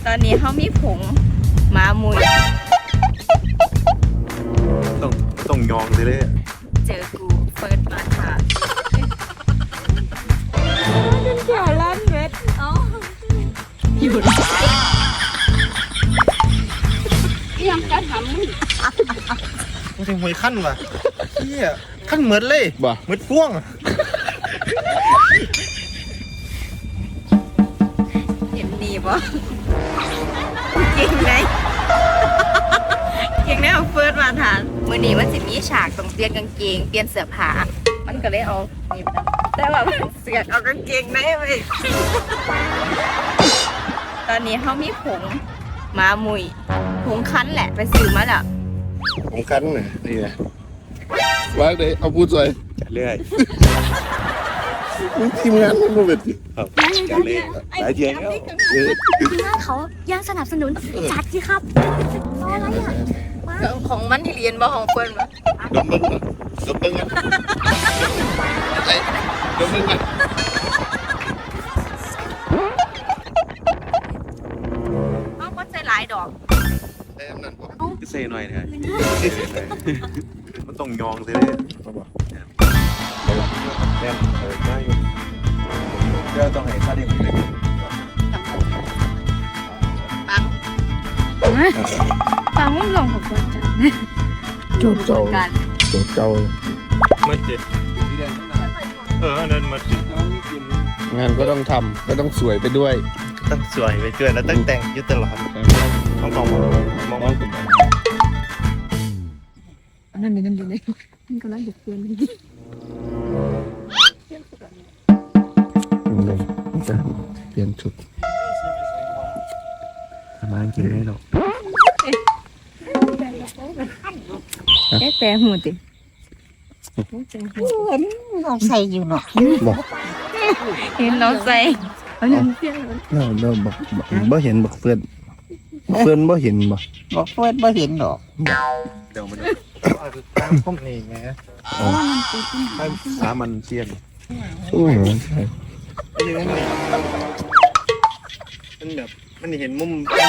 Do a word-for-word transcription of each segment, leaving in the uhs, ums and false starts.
ตอนนี้เขามีผงหมามุยต้องต้องยองเลยเลยเจอกูเปิดมาค่ะเป็นแก่ล้านเม็ดเอ้าอยู่ยังจะทำมึงมันถึงหวยขั้นว่ะเฮียขั้นเหมือนเลยบ่เหมือนพ่วงเห็นดีป่ะเก่งไหมเก่งได้เอาเฟิร์สมาทานมือนี้มันสิมีฉากต้องเปลี่ยนกางเกงเปลี่ยนเสื้อผ้ามันก็เลยเอานี่มาแต่ว่ามันเสือกเอากางเกงได้ไปตอนนี้เขามีผงหมามุยผงคั้นแหละไปซื้อมาแล้วผงคั้นน่ะนี่นะว่าเลยเอาพูดสวยเรื่อยทีมงานมันมาเป็นครับกันเลยหลายเทียงแล้วทีมงานเขายังสนับสนุนจัดสิครับรออะไรอ่ะของมันที่เรียนบ่ของเฟิร์นมาดมเบิ้งดมเบิ้งกันไอ้ดมเบิ้งกันเอาก็ใจหลายดอกไอ้อำนั่นบอกเซ่หน่อยนะมันต้องยองเลยเลยแน่นเออได้อยู่เดี๋ยวต้องให้ค่าเด็กเลยปังปังมันลงของคนจังจูบเจ้าจูบเจ้ามันเจ็ดเออนั่นมันจิงานก็ต้องทำก็ต้องสวยไปด้วยต้องสวยไปด้วยแล้วต้องแต่งยุตลอดมองมองมองมองนั่นนี่นั่นอยู่เลยมันกำลังดุเพื่อนนี่เปลี่ยนชุดทำไมกินได้หรอกเอ๊ะแต่หูติน้องใส่อยู่เนาะบอกเห็นน้องใส่เอาน้ำเพื่อนเราเราบอกบ่เห็นบอกเพื่อนเพื่อนบ่เห็นบ่บอกเพื่อนบ่เห็นหรอกเดี๋ยวมันตามข้อมเองไงสามันเชียนโอ้โหใช่ไอ้ยังไงมันแบบมันเห็นมุม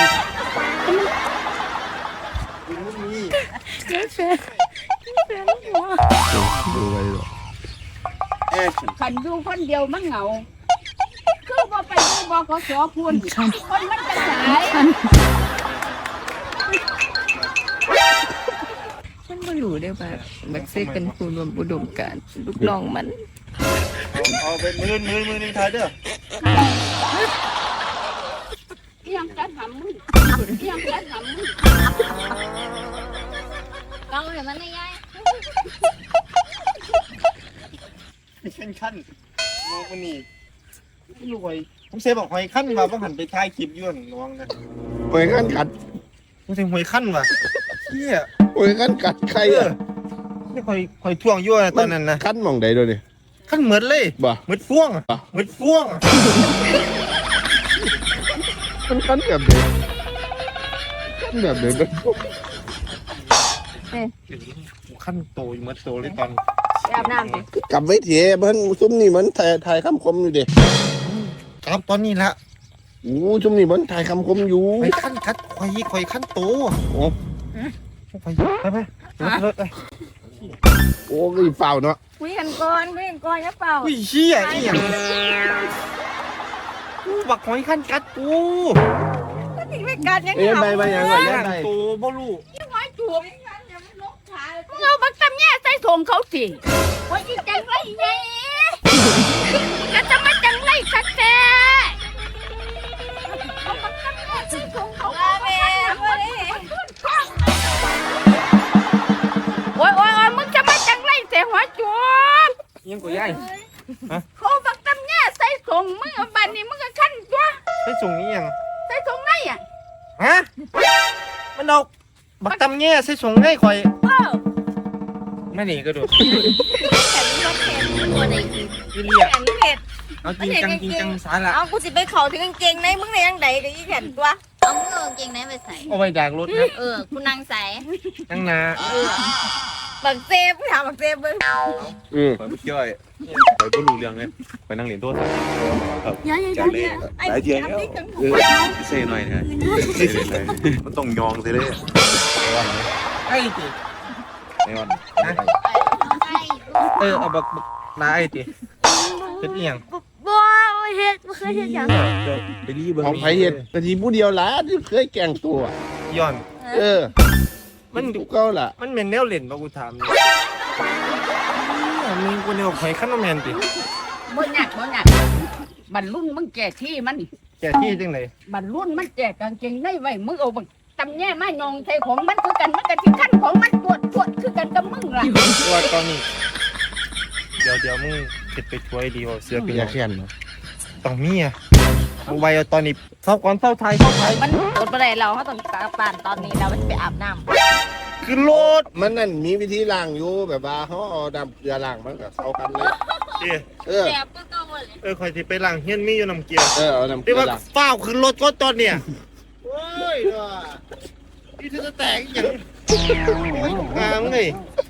มุมนี้เจ๊แฟนแฟนหัวดูไว้หรอขันดูคนเดียวมันเหงาคือบ่ไปดูบ่ก็สอพูนคนมันจะสายฉันไม่รู้ได้ว่าแม็กซี่เป็นผู้รวมอุดมการณ์ลูกน้องมันเอาเป็นมือมือมือหนึ่งทายเด้อยังจะทำมึงยังจะทำมึงเราเห็นมันได้ยังขั้นขั้นโมมันนี่รวยผมเซฟบอกหอยขั้นมาต้องหันไปท้ายคลิปย้อนระวังนะหอยขั้นกัดผมเซฟหอยขั้นว่ะเฮียหอยขั้นกัดใครอ่ะนี่หอยหอยท่วงย้อนตอนนั้นนะขั้นมองใดด้วยดิขั้นเหมือนเลยบ่เหมือนพ่วงเหมือนพ่วงมันขั้นแบบเดิมขั้นแบบเดิมขั้นโตเหมือนโตเลยตอนอาบน้ำดิกลับไว้เถอะเพิ่นซุ้มนี่มันถ่ายถ่ายคำคมอยู่เด็กครับตอนนี้ละโอ้ซุ้มนี่มันถ่ายคำคมอยู่ไปขั้นคัดควายควายขั้นโตโอ้ไปไปไปไปโอ้ยเปล่าเนาะคุยกันก่อนคุยกันก่อนอย่าเปล่าอุ้ยเชี่ยอีหยังกูบักหอยขั้นกัดกูก็ถึงไม่กัดยังไงเอ้ยไปไปยังไงยังไงโตบ่รู้ยังหอยจูบเราบักตำแย่ใส่ถุงเขาสิว่าอีจังไรไงก็จะมาจังไรสักแท้เอาบักตำแย่ใส่ถุงเขาไปโอ้ยโอ้ยโอ้ยมึงจะมาจังไรเสียหัวจูบยังกูยัยเขาบักตำแย่ใส่ถุงมึงเอาบันนี้มึงก็ขั้นตัวใส่ถุงนี้ยังใส่ถุงไหนอ่ะฮะมันเอาบักตำแย่ใส่ถุงให้คอยไม่หนีก็ดูแขนรถแขนตัวไหนอีกเรียกแขนเห็ดเอาจริงจังจริงจังสาระเอากูสิไปเขาถึงกางเกงในมึงในยังไงกับอีแขนตัวเอามึงเอากางเกงในไปใส่เอาไปจากรถนะเออคุณนางใส่นั่งนาเออบักเซฟถามบักเซฟเบิ่งอืมไปเที่ยวไปบ่รู้เรื่องเลยไปนั่งเล่นโทรศัพท์อย่าอย่าอจัย่าดเลยอย่าหลายเที่ยวแล้วเออเซ่หน่อยนะมันต้องยองซิเลยไอ้ติไอ้วันเออเอาบักบักนาไอ้ติเป็นเอียงบ่เฮ็ดบ่เคยเฮ็ดหยังไปรีเบิ่งของไผเฮ็ดกะทีผู้เดียวล่ะที่เคยแกล้งตัวย้อนเออมันทุกเก่าล่ะมันเป็นแนวเล่นบ่กูถามนี่มึงกูแนวหอยคันบ่แม่นติบ่ยากบ่ยากบรรลุนมึงแก่ที่มันแกที่จังได๋บรรลุนมันแก่กางเกงในไว้มึงเอาบักตำแย่มายองใส่ของมันคือกันมันก็สิคันของมันปวดปวดคือกันกับมึงล่ะว่าตอนนี้เดี๋ยวเดี๋ยวมึงเก็บไปช่วยดีว่าเสื้อเป็นอหย่ายังแค้นเนาะต้องมีอ่ะเอาไว้เอาตอนนี้เศร้าก่อนเศร้าไทยเศร้าไทยมันอดบ่ได้เราเขาต้องกลับบ้านตอนนี้แล้วมันจะไปอาบน้ำคือโลดมันนั่นมีวิธีล้างอยู่แบบว่าเขาเอาน้ำเกลือล้างมันก็เข้ากันเลยเอ้ยเออแซ่บก็ก็บ่เลยเออคอยสิไปล้างเฮียนมีอยู่น้ำเกลือเออเอาน้ำเกที่ลือว่าล้างฝ้าวขึ้นรถก็ตอนเนี่ยโอ้ยว่ะนี่เธอจะแตกอหย่างงามเลย